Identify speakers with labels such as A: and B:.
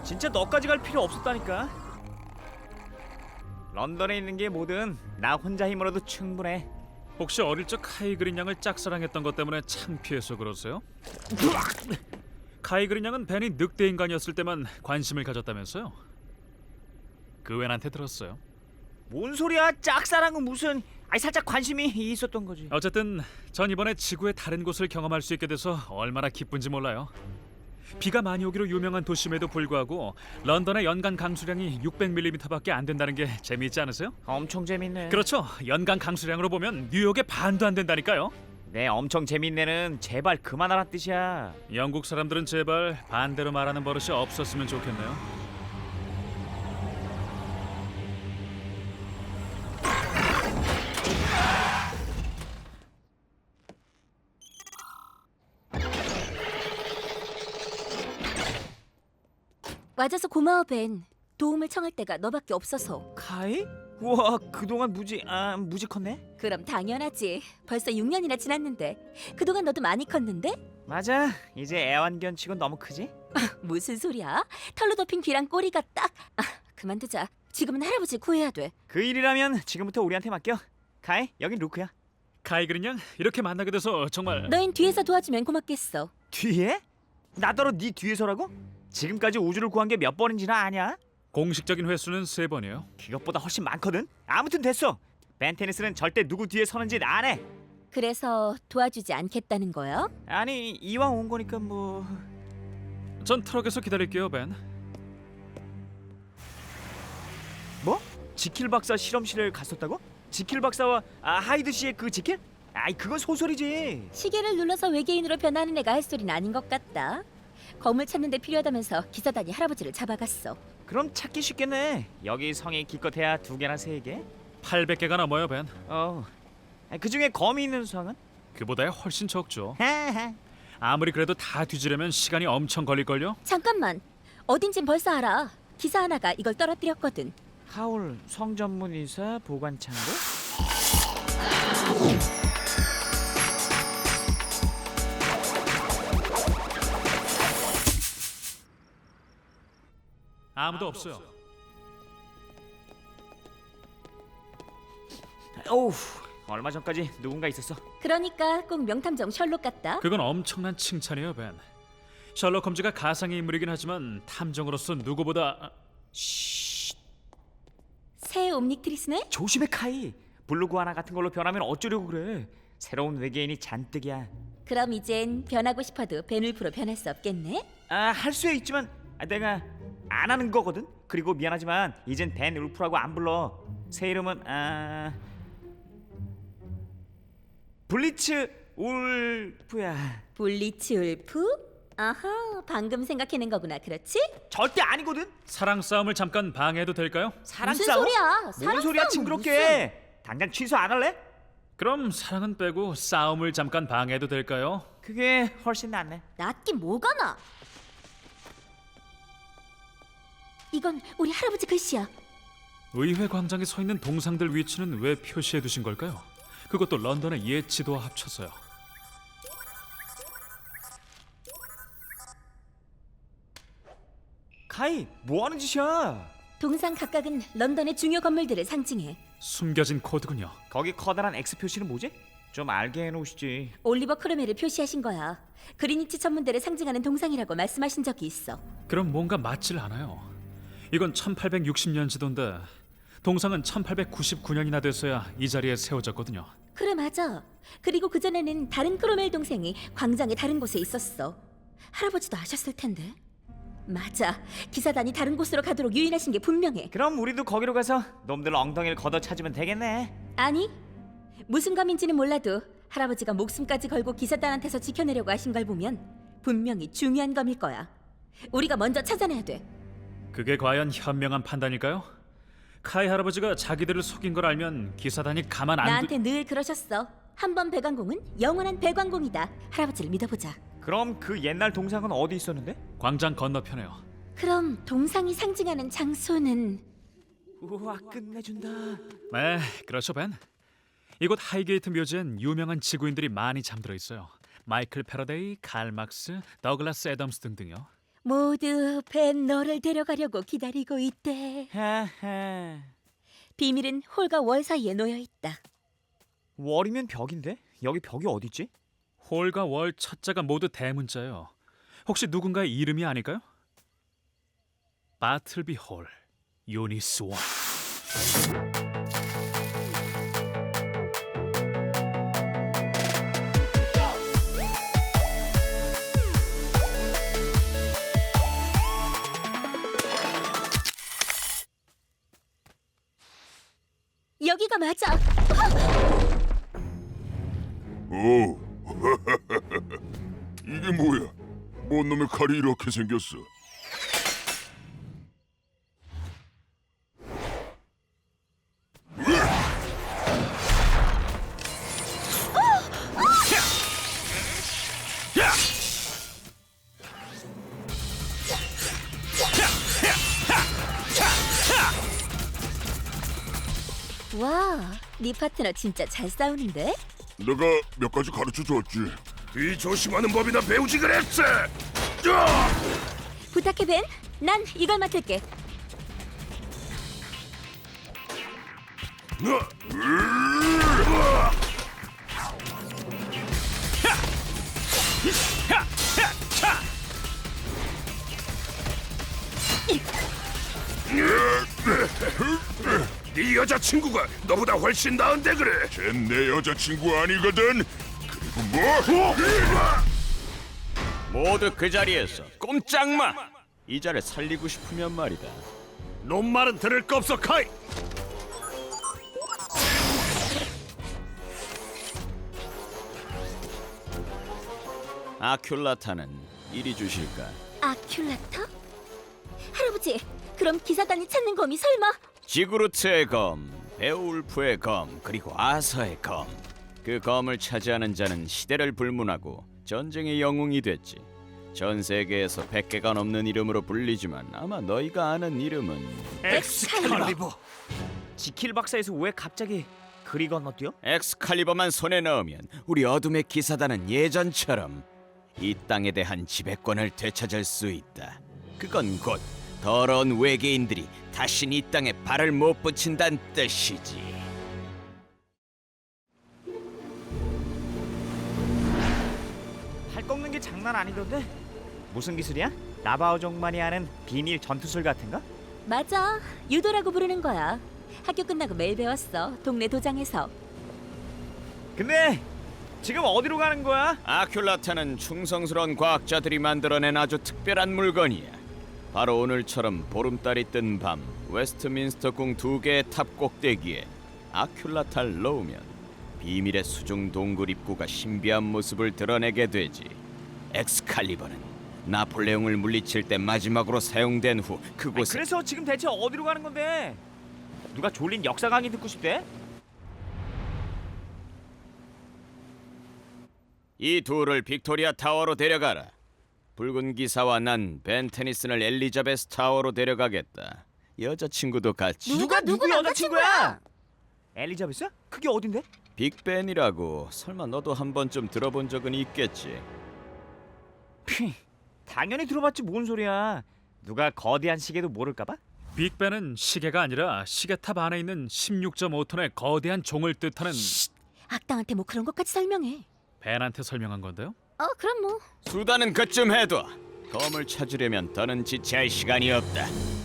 A: 진짜 너까지 갈 필요 없었다니까. 런던에 있는 게 뭐든 나 혼자 힘으로도 충분해.
B: 혹시 어릴 적 카이 그린 양을 짝사랑했던 것 때문에 창피해서 그러세요? 카이 그린 양은 벤이 늑대 인간이었을 때만 관심을 가졌다면서요? 그 웬한테 들었어요.
A: 뭔 소리야? 짝사랑은 무슨? 아니 살짝 관심이 있었던 거지.
B: 어쨌든 전 이번에 지구의 다른 곳을 경험할 수 있게 돼서 얼마나 기쁜지 몰라요. 비가 많이 오기로 유명한 도심에도 불구하고 런던의 연간 강수량이 600mm밖에 안 된다는 게 재미있지 않으세요?
A: 엄청 재밌네.
B: 그렇죠. 연간 강수량으로 보면 뉴욕의 반도 안 된다니까요.
A: 네, 엄청 재밌네는 제발 그만하란 뜻이야.
B: 영국 사람들은 제발 반대로 말하는 버릇이 없었으면 좋겠네요.
C: 와줘서 고마워 벤. 도움을 청할 때가 너밖에 없어서.
A: 카이? 우와, 그동안 무지 컸네.
C: 그럼 당연하지. 벌써 6년이나 지났는데. 그동안 너도 많이 컸는데?
A: 맞아, 이제 애완견치곤 너무 크지?
C: 무슨 소리야? 털로 덮인 귀랑 꼬리가 딱. 그만두자. 지금은 할아버지 구해야 돼.
A: 그 일이라면 지금부터 우리한테 맡겨. 카이, 여긴 루크야.
B: 카이 그린 양 이렇게 만나게 돼서 정말
C: 너흰 뒤에서 도와주면 고맙겠어.
A: 뒤에? 나더러 네 뒤에서라고? 지금까지 우주를 구한 게 몇 번인지나 아냐?
B: 공식적인 횟수는 3번이에요.
A: 그것보다 훨씬 많거든. 아무튼 됐어. 벤테니스는 절대 누구 뒤에 서는 짓 안 해.
C: 그래서 도와주지 않겠다는 거야?
A: 아니, 이왕 온 거니까 뭐.
B: 전 트럭에서 기다릴게요, 벤.
A: 뭐? 지킬 박사 실험실을 갔었다고? 지킬 박사와 하이드 씨의 그 지킬? 아이, 그건 소설이지.
C: 시계를 눌러서 외계인으로 변하는 애가 할 소리는 아닌 것 같다. 거물 찾는 데 필요하다면서 기사단이 할아버지를 잡아갔어.
A: 그럼 찾기 쉽겠네. 여기 성이 기껏해야 2개나 3개?
B: 800개가 넘어요, 벤.
A: 그 중에 검이 있는 수학은?
B: 그보다 훨씬 적죠.
A: 하하.
B: 아무리 그래도 다 뒤지려면 시간이 엄청 걸릴걸요?
C: 잠깐만. 어딘진 벌써 알아. 기사 하나가 이걸 떨어뜨렸거든.
A: 하울 성전문이사 보관창고?
B: 아무도 없어요.
A: 오우, 얼마 전까지 누군가 있었어.
C: 그러니까 꼭 명탐정 셜록 같다.
B: 그건 엄청난 칭찬이에요, 벤. 셜록 홈즈가 가상의 인물이긴 하지만 탐정으로서 누구보다
C: 새 옴닉트리스네?
A: 조심해 카이. 블루구아나 같은 걸로 변하면 어쩌려고 그래. 새로운 외계인이 잔뜩이야.
C: 그럼 이젠 변하고 싶어도 벤울프로 변할 수 없겠네?
A: 할 수야 있지만 내가 안 하는 거거든. 그리고 미안하지만 이젠 벤 울프라고 안 불러. 새 이름은 블리츠 울프야.
C: 블리츠 울프? 아하, 방금 생각해낸 거구나, 그렇지?
A: 절대 아니거든.
B: 사랑 싸움을 잠깐 방해해도 될까요?
A: 사랑
C: 무슨
A: 싸움?
C: 소리야?
A: 뭔
C: 사랑
A: 소리야
C: 싸움은
A: 징그럽게. 당장 취소 안 할래?
B: 그럼 사랑은 빼고 싸움을 잠깐 방해해도 될까요?
A: 그게 훨씬 낫네.
C: 낫긴 뭐가 나? 이건 우리 할아버지 글씨야.
B: 의회 광장에 서 있는 동상들 위치는 왜 표시해 두신 걸까요? 그것도 런던의 옛 지도와 합쳐서요.
A: 카이, 뭐 하는 짓이야?
C: 동상 각각은 런던의 중요 건물들을 상징해.
B: 숨겨진 코드군요.
A: 거기 커다란 X 표시는 뭐지? 좀 알게 해놓으시지.
C: 올리버 크로멜을 표시하신 거야. 그리니치 천문대를 상징하는 동상이라고 말씀하신 적이 있어.
B: 그럼 뭔가 맞질 않아요. 이건 1860년 지도인데 동상은 1899년이나 돼서야 이 자리에 세워졌거든요.
C: 그래, 맞아. 그리고 그전에는 다른 크로멜 동생이 광장의 다른 곳에 있었어. 할아버지도 아셨을 텐데. 맞아. 기사단이 다른 곳으로 가도록 유인하신 게 분명해.
A: 그럼 우리도 거기로 가서 놈들 엉덩이를 걷어 찾으면 되겠네.
C: 아니, 무슨 감인지는 몰라도 할아버지가 목숨까지 걸고 기사단한테서 지켜내려고 하신 걸 보면 분명히 중요한 검일 거야. 우리가 먼저 찾아내야 돼.
B: 그게 과연 현명한 판단일까요? 카이 할아버지가 자기들을 속인 걸 알면 기사단이 가만 안
C: 나한테 늘 그러셨어. 한 번 배관공은 영원한 배관공이다. 할아버지를 믿어보자.
A: 그럼 그 옛날 동상은 어디 있었는데?
B: 광장 건너편에요.
C: 그럼 동상이 상징하는 장소는
A: 우와, 끝내준다.
B: 네, 그렇죠, 벤. 이곳 하이게이트 묘지엔 유명한 지구인들이 많이 잠들어 있어요. 마이클 패러데이, 칼 막스, 더글라스 애덤스 등등요.
C: 모두 벤 너를 데려가려고 기다리고 있대.
A: 하하.
C: 비밀은 홀과 월 사이에 놓여 있다.
A: 월이면 벽인데? 여기 벽이 어딨지?
B: 홀과 월 첫자가 모두 대문자요. 혹시 누군가의 이름이 아닐까요? 바틀비 홀, 유니스 원.
C: 여기가 맞아.
D: 오, 이게 뭐야? 뭔 놈의 칼이 이렇게 생겼어?
C: 와, 네 파트너 진짜 잘 싸우는데?
D: 내가 몇 가지 가르쳐 줬지.
E: 이 조심하는 법이나 배우지 그랬어.
C: 부탁해 벤. 난 이걸 맡을게.
E: 네 여자친구가 너보다 훨씬 나은데 그래.
D: 쟨 내 여자친구 아니거든. 그리고 뭐?
F: 모두 그 자리에서 꼼짝마! 이자를 살리고 싶으면 말이다.
E: 놈 말은 들을 거 없어, 카이.
F: 아큘라타는 이리 주실까?
C: 아큘라터? 할아버지, 그럼 기사단이 찾는 검이 설마?
F: 지구루트의 검, 베오울프의 검, 그리고 아서의 검. 그 검을 차지하는 자는 시대를 불문하고 전쟁의 영웅이 됐지. 전 세계에서 100개가 넘는 이름으로 불리지만 아마 너희가 아는 이름은
C: 엑스칼리버.
A: 지킬 박사에서 왜 갑자기 그리 건너뛰어?
F: 엑스칼리버만 손에 넣으면 우리 어둠의 기사단은 예전처럼 이 땅에 대한 지배권을 되찾을 수 있다. 그건 곧 더러운 외계인들이 다신 이 땅에 발을 못 붙인다는 뜻이지.
A: 팔 꺾는 게 장난 아니던데? 무슨 기술이야? 나바오족만이 아는 비밀 전투술 같은가?
C: 맞아, 유도라고 부르는 거야. 학교 끝나고 매일 배웠어. 동네 도장에서.
A: 근데 지금 어디로 가는 거야?
F: 아큘라타는 충성스러운 과학자들이 만들어낸 아주 특별한 물건이야. 바로 오늘처럼 보름달이 뜬 밤 웨스트민스터 궁 2개의 탑 꼭대기에 아큘라타를 놓으면 비밀의 수중 동굴 입구가 신비한 모습을 드러내게 되지. 엑스칼리버는 나폴레옹을 물리칠 때 마지막으로 사용된 후
A: 아니,
F: 그곳에
A: 그래서 지금 대체 어디로 가는 건데? 누가 졸린 역사 강의 듣고 싶대?
F: 이 둘을 빅토리아 타워로 데려가라. 붉은 기사와 난 벤 테니슨을 엘리자베스 타워로 데려가겠다. 여자친구도 같이.
A: 누구 여자친구야? 엘리자베스? 그게 어딘데?
F: 빅벤이라고 설마 너도 한 번쯤 들어본 적은 있겠지.
A: 피, 당연히 들어봤지 뭔 소리야. 누가 거대한 시계도 모를까봐?
B: 빅벤은 시계가 아니라 시계탑 안에 있는 16.5톤의 거대한 종을 뜻하는
C: 악당한테 뭐 그런 것까지 설명해.
B: 벤한테 설명한 건데요.
C: 그럼 뭐.
F: 수단은 그쯤 해둬. 검을 찾으려면 더는 지체할 시간이 없다.